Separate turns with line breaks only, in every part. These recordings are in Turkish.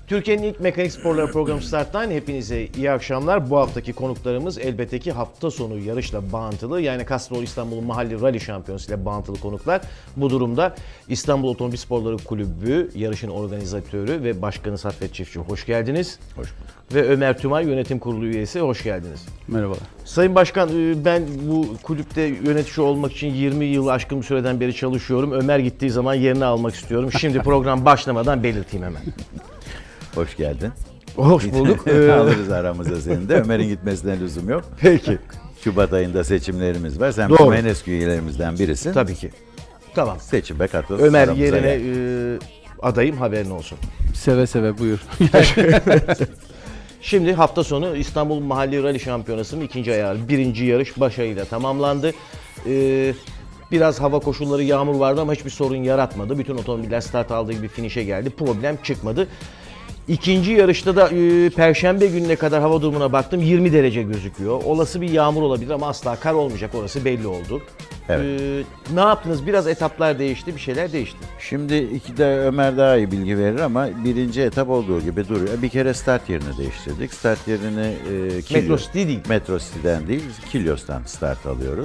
Türkiye'nin ilk mekanik sporları programı Start'tan hepinize iyi akşamlar. Bu haftaki konuklarımız elbette ki hafta sonu yarışla bağıntılı, yani Castrol İstanbul Mahalli Rally Şampiyonası ile bağıntılı konuklar. Bu durumda İstanbul Otomobil Sporları Kulübü yarışın organizatörü ve başkanı Saffet Çiftçi, hoş geldiniz.
Hoş bulduk.
Ve Ömer Tümay, yönetim kurulu üyesi, hoş geldiniz.
Merhabalar.
Sayın Başkan, ben bu kulüpte yönetici olmak için 20 yıl aşkın bir süreden beri çalışıyorum. Ömer gittiği zaman yerini almak istiyorum. Şimdi program başlamadan belirteyim hemen.
Hoş geldin.
Hoş bulduk.
Alırız aramıza senin de. Ömer'in gitmesine lüzum yok.
Peki.
Şubat ayında seçimlerimiz var. Sen
Doğru.
bizim en eski üyelerimizden birisin.
Tabii ki. Tamam.
Seçime katıl.
Ömer
aramıza
yerine
gel.
adayım, haberin olsun.
Seve seve buyur.
Şimdi hafta sonu İstanbul Mahalli Rally Şampiyonası'nın ikinci ayağı, birinci yarış başarıyla tamamlandı. Biraz hava koşulları, yağmur vardı ama hiçbir sorun yaratmadı. Bütün otomobiller start aldığı gibi finişe geldi. Problem çıkmadı. İkinci yarışta da Perşembe gününe kadar hava durumuna baktım, 20 derece gözüküyor. Olası bir yağmur olabilir ama asla kar olmayacak, orası belli oldu.
Evet.
Ne yaptınız? Biraz etaplar değişti, bir şeyler değişti.
Şimdi iki de Ömer daha iyi bilgi verir ama birinci etap olduğu gibi duruyor. Bir kere start yerini değiştirdik. Start yerini
Metro City değil.
Metro City'den değil, Kilyos'tan start alıyoruz.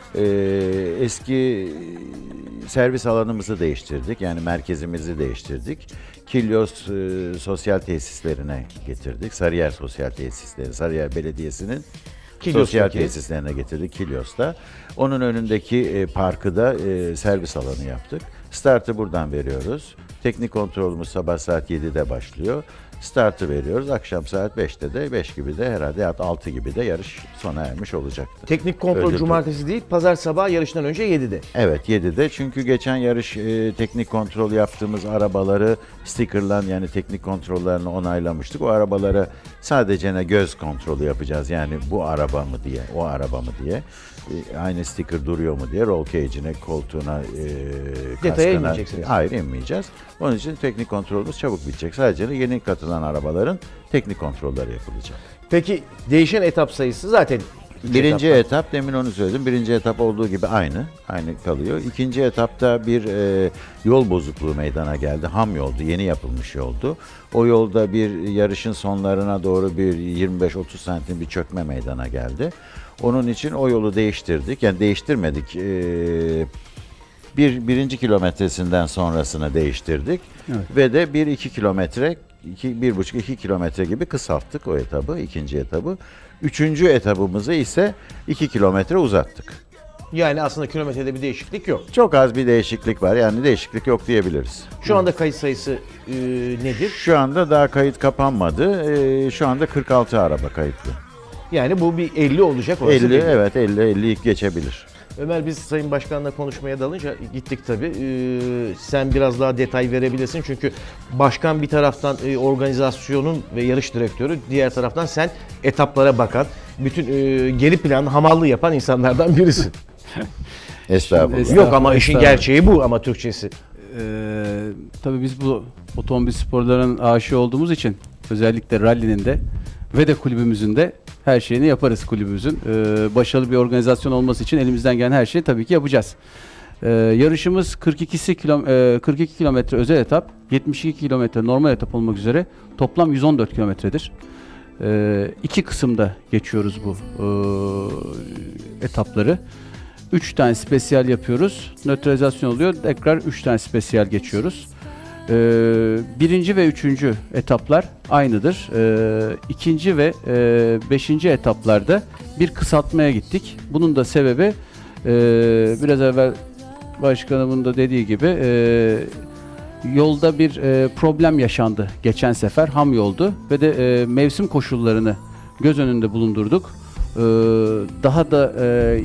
Eski servis alanımızı değiştirdik. Yani merkezimizi değiştirdik. Kilyos sosyal tesislerine getirdik. Sarıyer Sosyal Tesisleri, Sarıyer Belediyesi'nin sosyal tesislerine getirdik Kilyos'ta. Onun önündeki parkı da servis alanı yaptık. Startı buradan veriyoruz. Teknik kontrolümüz sabah saat 7'de başlıyor. Startı veriyoruz. Akşam saat 5'te de, 5 gibi de herhalde 6 gibi de yarış sona ermiş olacaktı.
Teknik kontrol
Öyle
cumartesi değil, pazar sabahı yarıştan önce 7'de.
Evet, 7'de. Çünkü geçen yarış teknik kontrol yaptığımız arabaları stickerlan, yani teknik kontrollerini onaylamıştık. O arabalara sadece göz kontrolü yapacağız. Yani bu araba mı diye, o araba mı diye. Aynı sticker duruyor mu diye, roll cage'ine, koltuğuna,
Detaya
kaskına.
inmeyeceksiniz.
Hayır, inmeyeceğiz. Onun için teknik kontrolümüz çabuk bitecek. Sadece yeni katılan arabaların teknik kontrolleri yapılacak.
Peki değişen etap sayısı zaten
Birinci etap, demin onu söyledim. Birinci etap olduğu gibi aynı kalıyor. İkinci etapta bir yol bozukluğu meydana geldi. Ham yoldu, yeni yapılmış yoldu. O yolda bir yarışın sonlarına doğru bir 25-30 santim bir çökme meydana geldi. Onun için o yolu değiştirdik. Yani değiştirmedik. Birinci kilometresinden sonrasını değiştirdik.
Evet.
Ve de 1-2 kilometre, 1,5-2 kilometre gibi kısalttık o etabı, ikinci etabı. Üçüncü etabımızı ise 2 kilometre uzattık.
Yani aslında kilometrede bir değişiklik yok.
Çok az bir değişiklik var, yani değişiklik yok diyebiliriz.
Şu anda kayıt sayısı nedir?
Şu anda daha kayıt kapanmadı. Şu anda 46 araba kayıtlı.
Yani bu bir 50 olacak. Orası
50,
belli.
evet 50'yi geçebilir.
Ömer, biz Sayın Başkan'la konuşmaya dalınca gittik tabii. Sen biraz daha detay verebilirsin. Çünkü başkan bir taraftan organizasyonun ve yarış direktörü, diğer taraftan sen etaplara bakan, bütün geri plan hamallığı yapan insanlardan birisin.
Estağfurullah.
Yok ama işin
Estağfurullah.
gerçeği bu, ama Türkçesi.
Tabii biz bu otomobil sporlarının aşığı olduğumuz için özellikle rally'nin de ve de kulübümüzün de her şeyini yaparız kulübümüzün. Başarılı bir organizasyon olması için elimizden gelen her şeyi tabii ki yapacağız. Yarışımız 42 kilometre özel etap, 72 kilometre normal etap olmak üzere toplam 114 kilometredir. İki kısımda geçiyoruz bu etapları. 3 tane spesiyal yapıyoruz. Nötralizasyon oluyor. Tekrar 3 tane spesiyal geçiyoruz. Birinci ve üçüncü etaplar aynıdır. İkinci ve beşinci etaplarda bir kısaltmaya gittik. Bunun da sebebi biraz evvel başkanımın da dediği gibi yolda bir problem yaşandı geçen sefer. Ham yoldu ve de mevsim koşullarını göz önünde bulundurduk. Daha da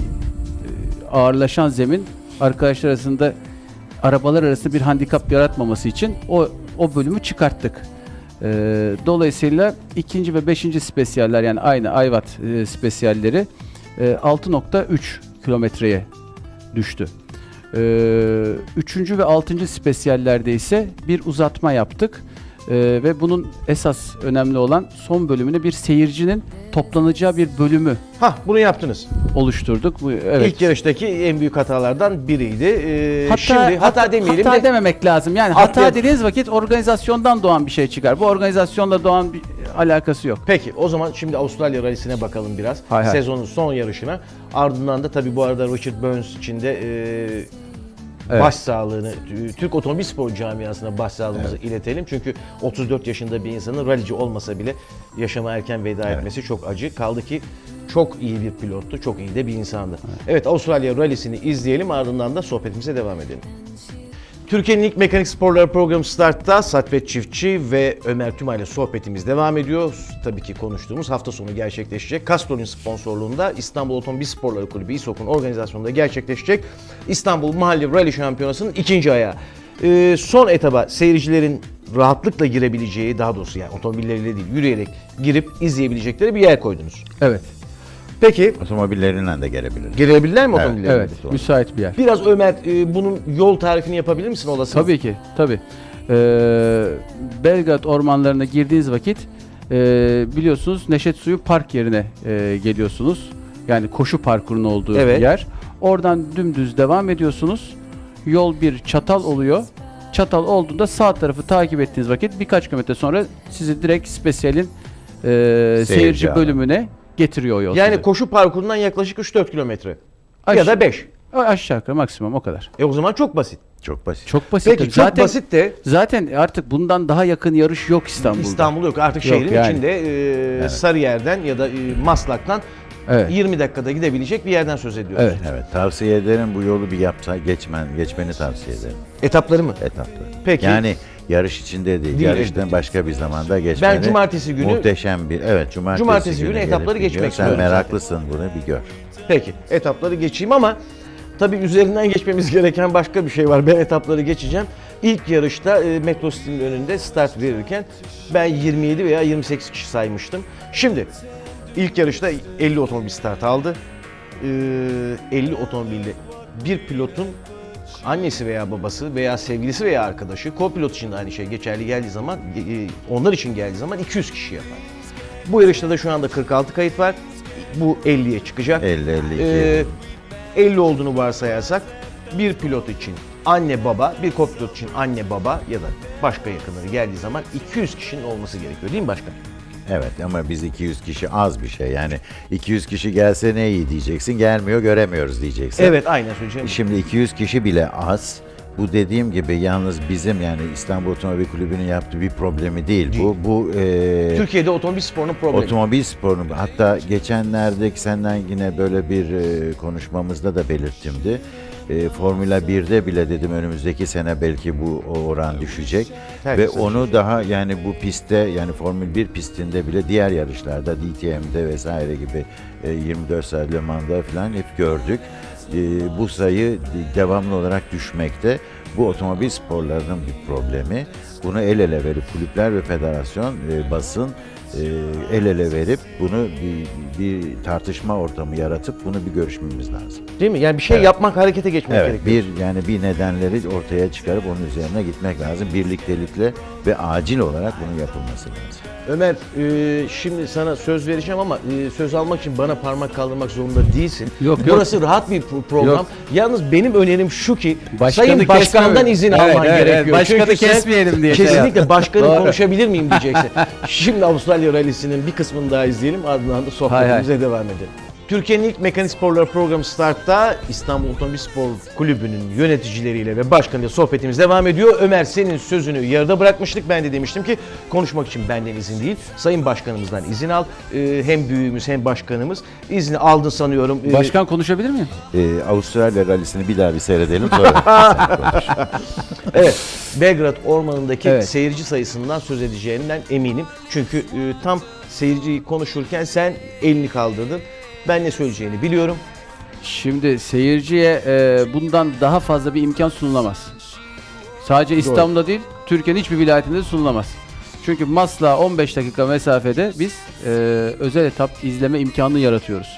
ağırlaşan zemin arkadaşlar arasında, arabalar arasında bir handikap yaratmaması için o bölümü çıkarttık. Dolayısıyla ikinci ve beşinci spesiyaller, yani aynı Ayvat spesiyalleri 6.3 kilometreye düştü. Üçüncü ve altıncı spesiyallerde ise bir uzatma yaptık. Ve bunun esas önemli olan son bölümünü bir seyircinin toplanacağı bir bölümü
Bunu yaptınız.
oluşturduk. Evet.
İlk yarıştaki en büyük hatalardan biriydi. Şimdi hata demeyelim
hata
de
dememek lazım. Yani
Hata-
hata dediğiniz vakit organizasyondan doğan bir şey çıkar. Bu organizasyonla doğan bir alakası yok.
peki o zaman şimdi Avustralya Rally'sine bakalım biraz.
Hay hay.
Sezonun son yarışına. Ardından da tabii bu arada Richard Burns için de
Evet.
başsağlığını, Türk otomobil spor camiasına başsağlığımızı iletelim. Çünkü 34 yaşında bir insanın rallici olmasa bile yaşama erken veda etmesi çok acı. Kaldı ki çok iyi bir pilottu, çok iyi de bir insandı. Evet, Avustralya Rally'sini izleyelim, ardından da sohbetimize devam edelim. Türkiye'nin ilk mekanik sporları programı Start'ta Saffet Çiftçi ve Ömer Tümay ile sohbetimiz devam ediyor. Tabii ki konuştuğumuz hafta sonu gerçekleşecek. Castrol'ün sponsorluğunda İstanbul Otomobil Sporları Kulübü İSOK'un organizasyonunda gerçekleşecek İstanbul Mahalli Rally Şampiyonası'nın ikinci ayağı. Son etaba seyircilerin rahatlıkla girebileceği, daha doğrusu yani otomobilleriyle değil yürüyerek girip izleyebilecekleri bir yer koydunuz.
Evet.
Peki
Otomobillerinden de gelebilir.
girebilirler mi
Evet,
otomobilleriyle?
Evet. Müsait bir yer.
Biraz Ömer bunun yol tarifini yapabilir misin olasılık?
Tabii ki, tabii. Belgrad ormanlarına girdiğiniz vakit biliyorsunuz Neşet Suyu Park yerine geliyorsunuz. Yani koşu parkurunun olduğu
Evet.
yer. Oradan dümdüz devam ediyorsunuz. Yol bir çatal oluyor. Çatal olduğunda sağ tarafı takip ettiğiniz vakit birkaç kilometre sonra sizi direkt spesiyalin seyirci
alanı.
bölümüne getiriyor o yol.
Yani
sizi.
koşu parkurundan yaklaşık 3-4 kilometre. Ya
Aş-
da 5.
Aşağı yukarı maksimum o kadar.
O zaman çok basit.
Çok basit.
Çok basit.
Peki
tabii.
çok basit de
Zaten artık bundan daha yakın yarış yok İstanbul'da.
İstanbul yok. Artık
Yok
şehrin
yani.
içinde Sarıyer'den ya da Maslak'tan
Evet.
20 dakikada gidebilecek bir yerden söz ediyoruz.
Evet.
Evet, tavsiye ederim bu yolu bir geçmeni tavsiye ederim.
Etapları mı?
Etapları.
Peki.
Yani yarış içinde değil,
Değil,
yarıştan
elbette.
başka bir zamanda geçmeni.
Ben cumartesi günü-
muhteşem bir cumartesi
günü
gelip
etapları
bir
geçmek
gör.
istiyorum
Sen
zaten.
meraklısın bunu bir gör.
Peki etapları geçeyim ama tabii üzerinden geçmemiz gereken başka bir şey var. Ben etapları geçeceğim. İlk yarışta Metro City'nin önünde start verirken ben 27 veya 28 kişi saymıştım. Şimdi ilk yarışta 50 otomobil start aldı. 50 otomobilde bir pilotun annesi veya babası veya sevgilisi veya arkadaşı, co-pilot için de aynı şey geçerli geldiği zaman, onlar için geldiği zaman 200 kişi yapar. Bu yarışta da şu anda 46 kayıt var. Bu 50'ye çıkacak.
50-52.
50 olduğunu varsayarsak bir pilot için anne baba, bir co-pilot için anne baba ya da başka yakınları geldiği zaman 200 kişinin olması gerekiyor değil mi başkan?
Evet ama biz 200 kişi az bir şey. Yani 200 kişi gelse ne iyi diyeceksin. Gelmiyor göremiyoruz diyeceksin.
Evet aynen söyleyeceğim.
Şimdi 200 kişi bile az. Bu dediğim gibi yalnız bizim yani İstanbul Otomobil Kulübü'nün yaptığı bir problemi değil. Bu
Türkiye'de otomobil sporunun problemi.
otomobil sporunun hatta geçenlerde senden yine böyle bir konuşmamızda da belirttimdi. Formula 1'de bile dedim önümüzdeki sene belki bu oran düşecek
Herkes
ve onu daha yani bu pistte yani Formula 1 pistinde bile diğer yarışlarda DTM'de vesaire gibi 24 saat Le Mans'da falan hep gördük. Bu sayı devamlı olarak düşmekte. Bu otomobil sporlarının bir problemi. Bunu el ele verip kulüpler ve federasyon, basın el ele verip bunu bir tartışma ortamı yaratıp bunu bir görüşmemiz lazım.
Değil mi? Yani bir şey yapmak, harekete geçmek
Evet,
gerekiyor.
bir nedenleri ortaya çıkarıp onun üzerine gitmek lazım. Birliktelikle ve acil olarak bunun yapılması lazım.
Ömer, şimdi sana söz vereceğim ama söz almak için bana parmak kaldırmak zorunda değilsin.
Yok, yok.
Burası rahat bir program.
Yok.
Yalnız benim önerim şu ki
Başkanı
Sayın Başkan'dan
kesmeme.
izin
Evet,
alman
evet,
gerekiyor.
evet. Başkanı
Çünkü sen
kesmeyelim diye şey
kesinlikle
yaptım.
başkanım
Doğru.
konuşabilir miyim diyeceksin. Şimdi Avustralya Rally'sinin bir kısmını daha izleyelim, ardından da sohbetimize devam edelim. Türkiye'nin ilk mekanik sporları programı Start'ta İstanbul Otomobil Spor Kulübü'nün yöneticileriyle ve başkanıyla sohbetimiz devam ediyor. Ömer, senin sözünü yarıda bırakmıştık. Ben de demiştim ki konuşmak için benden izin değil, Sayın Başkanımızdan izin al. Hem büyüğümüz hem başkanımız. İzni aldın sanıyorum.
Başkan konuşabilir miyim?
Avustralya rallisini bir daha bir seyredelim sonra sen konuş.
Evet, Belgrad Ormanı'ndaki
Evet.
seyirci sayısından söz edeceğinden eminim. Çünkü tam seyirciyi konuşurken sen elini kaldırdın. Ben ne söyleyeceğini biliyorum.
Şimdi seyirciye bundan daha fazla bir imkan sunulamaz. Sadece İstanbul'da değil, Türkiye'nin hiçbir vilayetinde de sunulamaz. Çünkü Maslak'a 15 dakika mesafede biz özel etap izleme imkanını yaratıyoruz.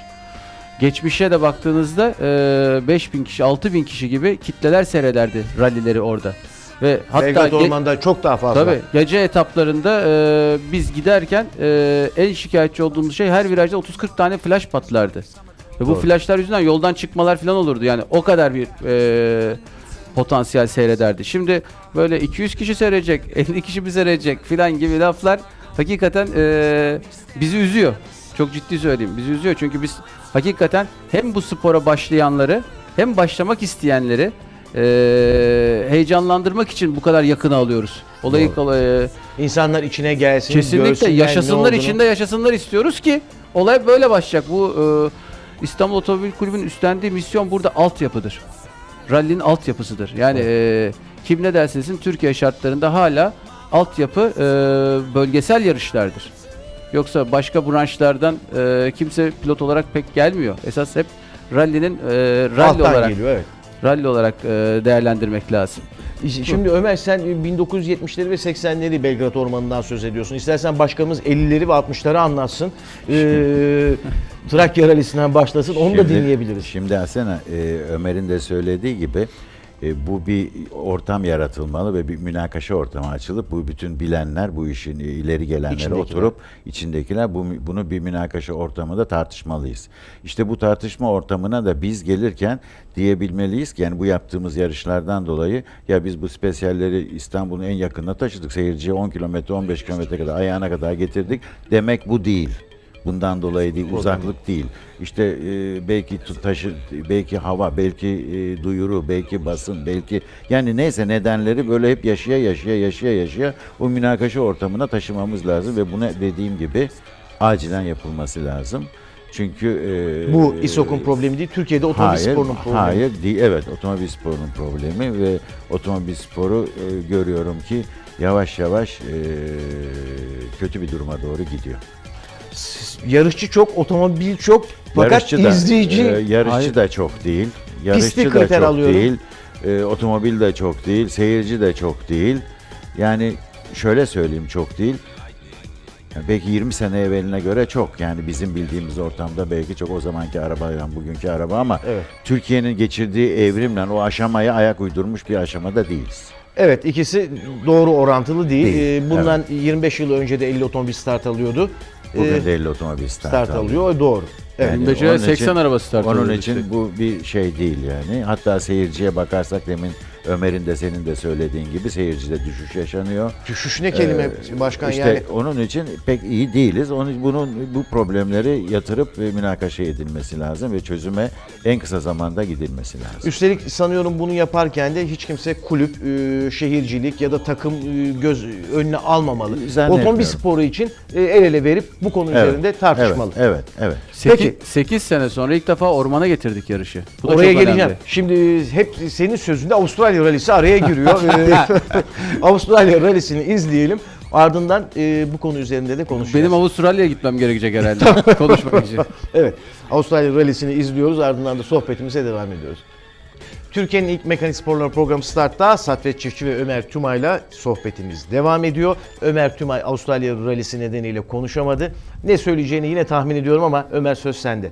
Geçmişe de baktığınızda 5.000 kişi, 6.000 kişi gibi kitleler seyrederdi rallileri orada. Ve hatta
Belgrad Orman'da çok daha fazla.
tabii gece etaplarında biz giderken en şikayetçi olduğumuz şey her virajda 30-40 tane flash patlardı. Ve bu
Doğru.
flashlar yüzünden yoldan çıkmalar falan olurdu. Yani o kadar bir potansiyel seyrederdi. Şimdi böyle 200 kişi seyredecek, 50 kişi mi seyredecek filan gibi laflar hakikaten bizi üzüyor. Çok ciddi söyleyeyim. Bizi üzüyor çünkü biz hakikaten hem bu spora başlayanları hem başlamak isteyenleri heyecanlandırmak için bu kadar yakına alıyoruz. Olayı
İnsanlar içine gelsin,
kesinlikle
görsünler ne
yaşasınlar,
olduğunu.
içinde yaşasınlar istiyoruz ki olay böyle başlayacak. Bu İstanbul Otomobil Kulübü'nün üstlendiği misyon burada altyapıdır. Rally'nin altyapısıdır. Yani kim ne derse desin Türkiye şartlarında hala altyapı bölgesel yarışlardır. Yoksa başka branşlardan kimse pilot olarak pek gelmiyor. Esas hep rally'nin rally
Alttan
olarak
geliyor, evet.
rally olarak değerlendirmek lazım.
Şimdi Ömer, sen 1970'leri ve 80'leri Belgrad Ormanı'ndan söz ediyorsun. İstersen başkanımız 50'leri ve 60'ları anlatsın. Trakya Rally'sinden başlasın. Onu da dinleyebiliriz.
Şimdi Asena, Ömer'in de söylediği gibi bu bir ortam yaratılmalı ve bir münakaşa ortamı açılıp bu bütün bilenler, bu işin ileri gelenlere
İçindekiler.
oturup içindekiler bunu bir münakaşa ortamında tartışmalıyız. İşte bu tartışma ortamına da biz gelirken diyebilmeliyiz ki yani bu yaptığımız yarışlardan dolayı ya biz bu spesiyalleri İstanbul'un en yakınına taşıdık. Seyirciye 10 kilometre 15 kilometre kadar ayağına kadar getirdik. Demek bu değil. Bundan dolayı değil, uzaklık değil. İşte belki taşı, belki hava, belki duyuru, belki basın, belki yani neyse nedenleri böyle hep yaşaya o münakaşa ortamına taşımamız lazım ve buna dediğim gibi acilen yapılması lazım. Çünkü
Bu İSOK'un problemi değil, Türkiye'de otomobil sporunun problemi.
Hayır değil, evet, otomobil sporunun problemi ve otomobil sporu görüyorum ki yavaş yavaş kötü bir duruma doğru gidiyor.
Yarışçı çok, otomobil çok, fakat
Yarışçı da,
izleyici
yarışçı
Hayır.
da çok değil.
Pisti
Yarışçı da
kriter
çok
alıyorum.
değil. Otomobil de çok değil. Seyirci de çok değil. Yani şöyle söyleyeyim, çok değil. Yani belki 20 sene evveline göre çok. Yani bizim bildiğimiz ortamda belki çok o zamanki arabayla bugünkü araba ama
Evet.
Türkiye'nin geçirdiği evrimle o aşamaya ayak uydurmuş bir aşamada değiliz.
Evet, ikisi doğru orantılı değil.
Değil,
Bundan 25 yıl önce de 50 otomobil start alıyordu.
Bugün de 50 otomobil
Start alıyor, o doğru. Evet.
Yani
25'e
onun
80
için-
araba start
Onun
alıyordu
için
işte.
bu bir şey değil yani. Hatta seyirciye bakarsak demin Ömer'in de senin de söylediğin gibi seyircide düşüş yaşanıyor.
Düşüş ne kelime başkan
İşte
yani.
onun için pek iyi değiliz. Bu problemleri yatırıp münakaşa edilmesi lazım ve çözüme en kısa zamanda gidilmesi lazım.
Üstelik sanıyorum bunu yaparken de hiç kimse kulüp, şehircilik ya da takım göz önüne almamalı.
Zannetmiyorum.
Otomobil sporu için el ele verip bu konu üzerinde tartışmalı.
Evet.
8 sene sonra ilk defa ormana getirdik yarışı. Bu da
Oraya
çok
geleceğim.
önemli.
Şimdi hep senin sözünde Avustralya Rally'si araya giriyor. Avustralya Rally'sini izleyelim. Ardından bu konu üzerinde de konuşacağız.
Benim Avustralya'ya gitmem gerekecek herhalde konuşmak için.
Evet. Avustralya Rally'sini izliyoruz. Ardından da sohbetimize devam ediyoruz. Türkiye'nin ilk mekanik sporları programı Start'ta Satvet Çiftçi ve Ömer Tümay'la sohbetimiz devam ediyor. Ömer Tümay Avustralya Rally'si nedeniyle konuşamadı. Ne söyleyeceğini yine tahmin ediyorum ama Ömer, söz sende.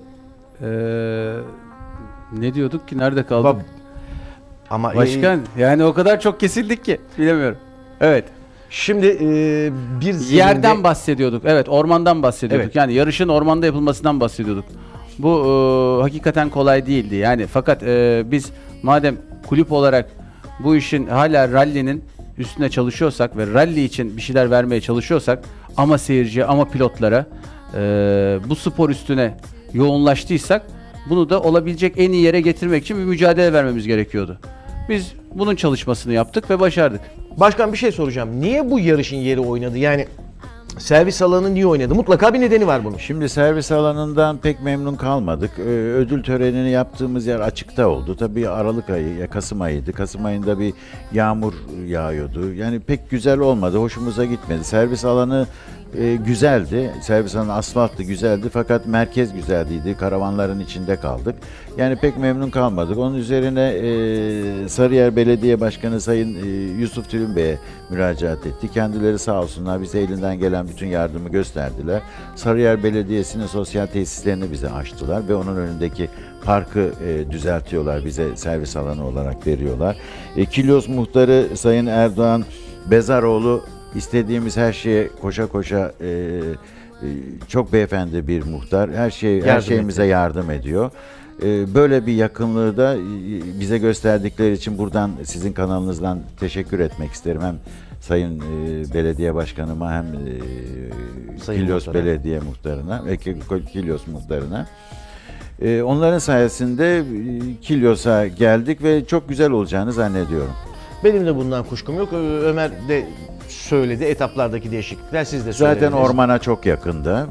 Ne diyorduk ki? Nerede kaldık?
Ama
Başkan yani o kadar çok kesildik ki bilemiyorum. Evet.
şimdi bir zeminde-
Yerden bahsediyorduk. Evet, ormandan bahsediyorduk.
Evet.
Yani yarışın ormanda yapılmasından bahsediyorduk. Bu hakikaten kolay değildi. Yani fakat biz madem kulüp olarak bu işin hala rally'nin üstüne çalışıyorsak ve rally için bir şeyler vermeye çalışıyorsak ama seyirciye ama pilotlara bu spor üstüne yoğunlaştıysak bunu da olabilecek en iyi yere getirmek için bir mücadele vermemiz gerekiyordu. Biz bunun çalışmasını yaptık ve başardık.
Başkan, bir şey soracağım. Niye bu yarışın yeri oynadı? Yani servis alanı niye oynadı? Mutlaka bir nedeni var bunun.
Şimdi servis alanından pek memnun kalmadık. Ödül törenini yaptığımız yer açıkta oldu. Tabii Aralık ayı, Kasım ayıydı. Kasım ayında bir yağmur yağıyordu. Yani pek güzel olmadı, hoşumuza gitmedi. Servis alanı Güzeldi. Servis alanı asfalttı, güzeldi fakat merkez güzeldi. Karavanların içinde kaldık. Yani pek memnun kalmadık. Onun üzerine Sarıyer Belediye Başkanı Sayın Yusuf Tülün Bey'e müracaat etti. Kendileri sağ olsunlar bize elinden gelen bütün yardımı gösterdiler. Sarıyer Belediyesi'nin sosyal tesislerini bize açtılar ve onun önündeki parkı düzeltiyorlar. Bize servis alanı olarak veriyorlar. Kilyos Muhtarı Sayın Erdoğan Bezaroğlu istediğimiz her şeye koşa koşa çok beyefendi bir muhtar. Her şeyimize yardım ediyor. Böyle bir yakınlığı da bize gösterdikleri için buradan sizin kanalınızdan teşekkür etmek isterim. Hem Sayın Belediye Başkanıma hem
Sayın
Kilyos
Muhtar'a.
Belediye Muhtarına ve Kilyos Muhtarına. Onların sayesinde Kilyos'a geldik ve çok güzel olacağını zannediyorum.
Benim de bundan kuşkum yok. Ömer de söyledi etaplardaki değişiklikler, siz de söylediniz.
Zaten ormana çok yakında.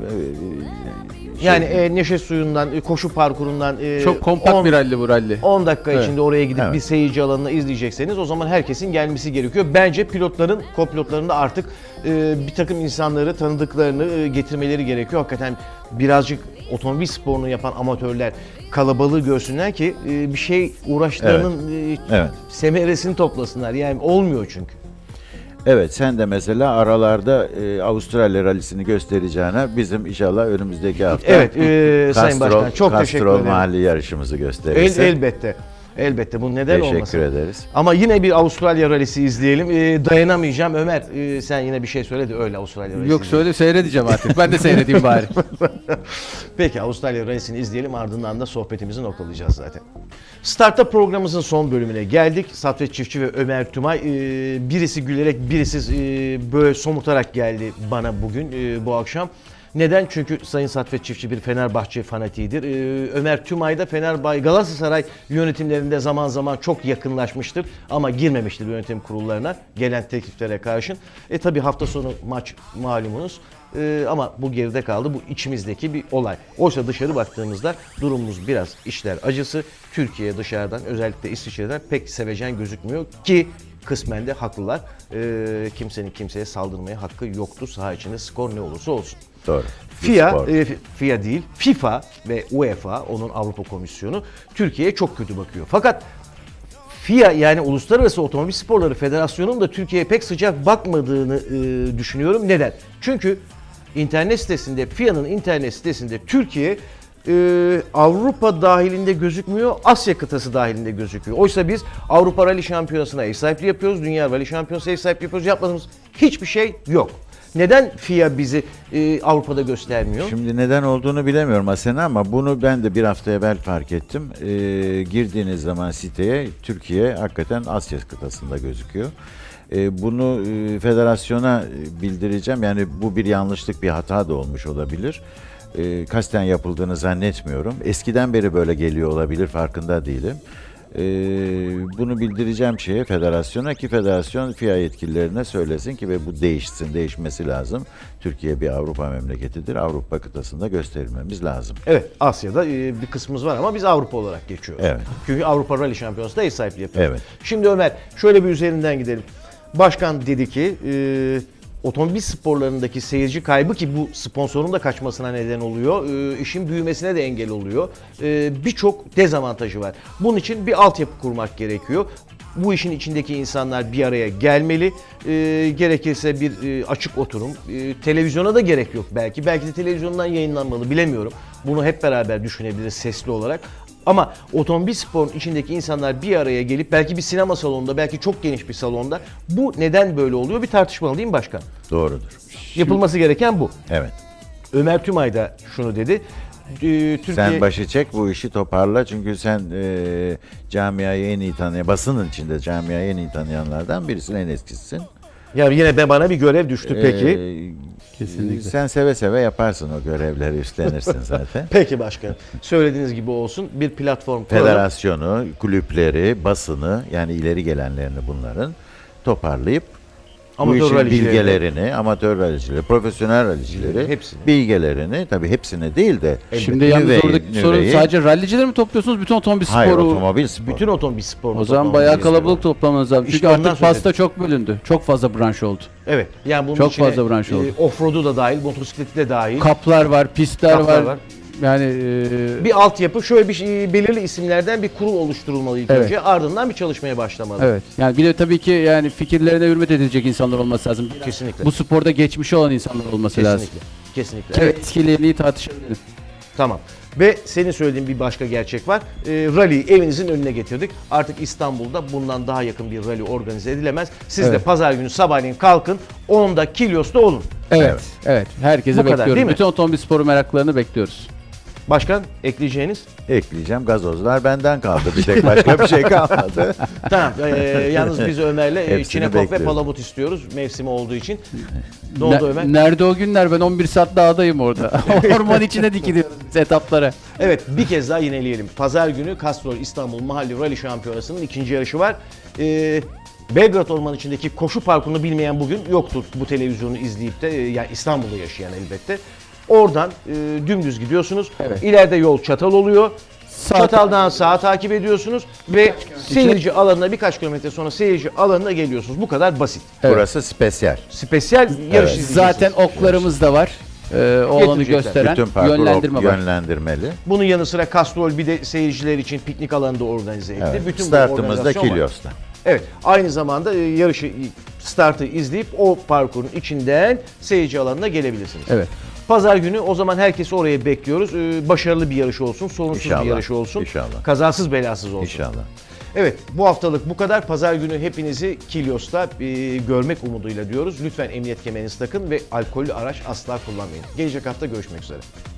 Yani Neşe Suyu'ndan, koşu parkurundan
Çok kompakt bir ralli bu ralli.
10 dakika
Evet.
içinde oraya gidip
Evet.
bir seyirci alanına izleyecekseniz o zaman herkesin gelmesi gerekiyor. Bence pilotların, kopilotların da artık bir takım insanları, tanıdıklarını getirmeleri gerekiyor. Hakikaten birazcık otomobil sporunu yapan amatörler kalabalığı görsünler ki bir şey uğraşlarının
Evet.
semeresini toplasınlar. Yani olmuyor çünkü.
Evet, sen de mesela aralarda Avustralya rallisini göstereceğine bizim inşallah önümüzdeki hafta
Evet, Sayın Başkan çok teşekkür
Castrol
ederim.
mahalli yarışımızı gösterirsin.
Elbette. Elbette bu neden
Teşekkür
olmasın.
ederiz.
Ama yine bir Avustralya rallisi izleyelim. Dayanamayacağım. Ömer sen yine bir şey söyle de öyle Avustralya rallisi.
Yok söyle seyredeceğim artık. Ben de seyredeyim bari.
Peki Avustralya rallisini izleyelim, ardından da sohbetimizi noktalayacağız zaten. Startup programımızın son bölümüne geldik. Saffet Çiftçi ve Ömer Tümay birisi gülerek birisi böyle somurtarak geldi bana bugün bu akşam. Neden? Çünkü Sayın Saffet Çiftçi bir Fenerbahçe fanatiğidir. Ömer Tümay da Fenerbahçe Galatasaray yönetimlerinde zaman zaman çok yakınlaşmıştır ama girmemiştir yönetim kurullarına gelen tekliflere karşın. Tabi hafta sonu maç malumunuz. Ama bu geride kaldı. Bu içimizdeki bir olay. Oysa dışarı baktığımızda durumumuz biraz işler acısı. Türkiye dışarıdan, özellikle İsviçre'den pek sevecen gözükmüyor ki kısmen de haklılar. Kimsenin kimseye saldırmaya hakkı yoktu. Saha içinde skor ne olursa olsun.
Doğru.
FIA değil, FIFA ve UEFA, onun Avrupa Komisyonu Türkiye'ye çok kötü bakıyor. Fakat FIA yani Uluslararası Otomobil Sporları Federasyonu'nun da Türkiye'ye pek sıcak bakmadığını düşünüyorum. Neden? Çünkü internet sitesinde, FIA'nın internet sitesinde Türkiye Avrupa dahilinde gözükmüyor, Asya kıtası dahilinde gözüküyor. Oysa biz Avrupa Rally Şampiyonası'na ev sahipliği yapıyoruz, Dünya Rally Şampiyonası'na ev sahipliği yapıyoruz. Yapmadığımız hiçbir şey yok. Neden FIA bizi Avrupa'da göstermiyor?
Şimdi neden olduğunu bilemiyorum Asena ama bunu ben de bir hafta evvel fark ettim. Girdiğiniz zaman siteye Türkiye hakikaten Asya kıtasında gözüküyor. Bunu federasyona bildireceğim. Yani bu bir yanlışlık, bir hata da olmuş olabilir. Kasten yapıldığını zannetmiyorum. Eskiden beri böyle geliyor olabilir, farkında değilim. Bunu bildireceğim federasyona ki federasyon FIA yetkililerine söylesin ki ve bu değişsin, değişmesi lazım. Türkiye bir Avrupa memleketidir. Avrupa kıtasında gösterilmemiz lazım.
Evet, Asya'da bir kısmımız var ama biz Avrupa olarak geçiyoruz.
Evet.
Çünkü Avrupa Rally Şampiyonası'nda ev sahipliği yapıyoruz.
Evet.
Şimdi Ömer şöyle bir üzerinden gidelim. Başkan dedi ki otomobil sporlarındaki seyirci kaybı ki bu sponsorun da kaçmasına neden oluyor. İşin büyümesine de engel oluyor. Birçok dezavantajı var. Bunun için bir altyapı kurmak gerekiyor. Bu işin içindeki insanlar bir araya gelmeli. Gerekirse bir açık oturum. Televizyona da gerek yok belki. Belki de televizyondan yayınlanmalı, bilemiyorum. Bunu hep beraber düşünebiliriz sesli olarak. Ama otomobil sporun içindeki insanlar bir araya gelip belki bir sinema salonunda, belki çok geniş bir salonda bu neden böyle oluyor bir tartışmalı değil mi başkan?
Doğrudur.
Yapılması gereken bu.
Evet.
Ömer Tümay da şunu dedi. Türkiye...
Sen başı çek, bu işi toparla çünkü sen camiayı en iyi tanıyan, basının içinde camiayı en iyi tanıyanlardan birisin, en eskisisin.
Ya yine bana bir görev düştü peki.
Kesinlikle.
Sen seve seve yaparsın o görevleri, üstlenirsin zaten.
Peki başkan. Söylediğiniz gibi olsun. Bir platform kuralım.
Federasyonu, kulüpleri, basını yani ileri gelenlerini bunların toparlayıp bu
Amatör
işin
ralicileri.
bilgelerini, amatör ralicileri, profesyonel ralicileri,
Hepsini.
bilgelerini, tabii hepsini değil de
Şimdi yalnız
nüveyi-
oradaki sorun
nüveyi-
sadece rallicileri mi topluyorsunuz? Bütün otomobil sporu.
hayır, otomobil sporu.
Bütün otomobil sporunu
O zaman
toplamamız
bayağı
gerekiyor.
kalabalık toplamanız lazım.
İşte
Çünkü
ondan
artık
söz
pasta çok bölündü. Çok fazla branş oldu.
Evet. Yani bunun
Çok
içine
fazla branş oldu.
Offroad'u da dahil, motosikleti de dahil.
Kaplar var, pistler
Kaplar
var.
var.
Yani
Bir altyapı, şöyle bir belirli isimlerden bir kurul oluşturulmalı ilk
Evet.
önce. Ardından bir çalışmaya başlamalı.
evet. Yani bir de tabii ki yani fikirlerine hürmet edilecek insanlar olması lazım.
Kesinlikle.
Bu sporda geçmişi olan insanlar olması lazım.
Kesinlikle. Kesinlikle.
Evet.
Evet.
Etkilerini tartışabiliriz.
Tamam. Ve senin söylediğin bir başka gerçek var. Rally'yi evinizin önüne getirdik. Artık İstanbul'da bundan daha yakın bir rally organize edilemez. Siz de
Evet.
pazar günü sabahleyin kalkın. 10'da Kilyos'ta olun.
Evet. Evet. Herkese
Bu kadar,
bekliyoruz.
değil mi?
Bütün otomobil sporu meraklarını bekliyoruz.
Başkan ekleyeceğiniz?
Ekleyeceğim, gazozlar benden kaldı. Bir tek başka bir şey kalmadı.
Tamam. Yalnız biz Ömer'le
Hepsini
Çinekop ve
bekliyoruz.
palamut istiyoruz mevsimi olduğu için. Ne oldu Ömer?
Nerede o günler? Ben 11 saat dağdayım orada. Orman içine dikiliyoruz biz etaplara.
Evet, bir kez daha yineleyelim. Pazar günü Castrol İstanbul Mahalli Rally Şampiyonası'nın ikinci yarışı var. Belgrad Orman içindeki koşu parkurunu bilmeyen bugün yoktur, bu televizyonu izleyip de yani İstanbul'da yaşayan elbette. Oradan dümdüz gidiyorsunuz.
Evet.
İleride yol çatal oluyor.
Sağ
Çataldan sağa takip ediyorsunuz ve seyirci alanına, birkaç kilometre sonra seyirci alanına geliyorsunuz. Bu kadar basit.
Evet.
Burası spesyal.
Spesyal yarış izleyeceksiniz.
Zaten oklarımız da var. O alanı
Getirecekler.
gösteren
Bütün parkur
yönlendirme var.
yönlendirmeli.
Bunun yanı sıra Castrol bir de seyirciler için piknik alanı da organize etti.
Evet.
Bütün bu
Startımız da
organizasyon var.
Kilyos'ta.
Evet, aynı zamanda yarışı, startı izleyip o parkurun içinden seyirci alanına gelebilirsiniz.
Evet.
Pazar günü o zaman herkesi oraya bekliyoruz. Başarılı bir yarış olsun, sorunsuz
İnşallah,
bir yarış olsun.
inşallah.
Kazasız belasız olsun.
İnşallah.
Evet, bu haftalık bu kadar. Pazar günü hepinizi Kilyos'ta görmek umuduyla diyoruz. Lütfen emniyet kemerinizi takın ve alkollü araç asla kullanmayın. Gelecek hafta görüşmek üzere.